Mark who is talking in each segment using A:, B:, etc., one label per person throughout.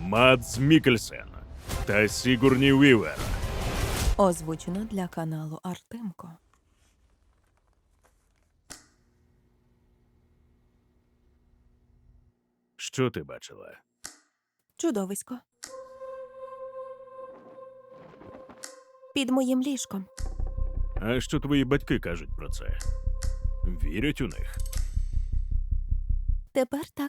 A: Мадс Мікельсен та Сігурні Вівер.
B: Озвучено для каналу Артемко.
A: Що ти бачила?
B: Чудовисько. Під моїм ліжком.
A: А що твої батьки кажуть про це? Вірять у них?
B: Тепер так.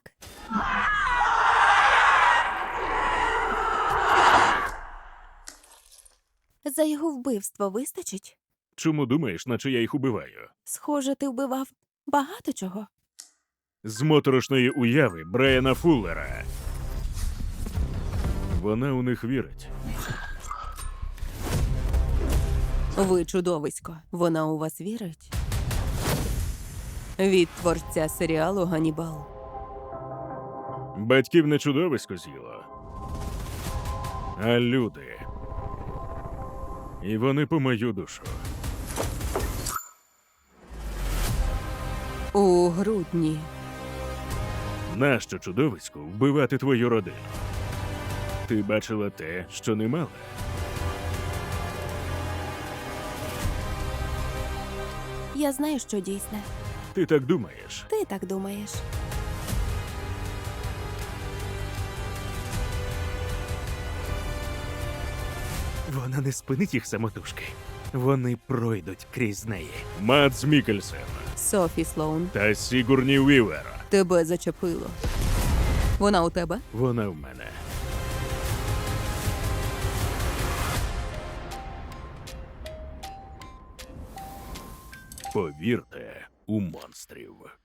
B: За його вбивство вистачить?
A: Чому думаєш, наче я їх убиваю?
B: Схоже, ти вбивав багато чого.
A: З моторошної уяви Брайана Фуллера. Вона у них вірить.
B: Ви чудовисько. Вона у вас вірить? Від творця серіалу «Ганнібал».
A: Батьків не чудовисько з'їло, а люди. І вони по мою душу.
B: У грудні.
A: Нащо чудовиську вбивати твою родину? Ти бачила те, що не мала?
B: Я знаю, що дійсне.
A: Ти так думаєш?
B: Ти так думаєш.
A: Вона не спинить їх самотужки. Вони пройдуть крізь неї. Мадс Мікельсен
B: Софі Слоун,
A: та Сігурні Вівер.
B: тебе зачепило. Вона у тебе?
A: Вона в мене. Повірте у монстрів.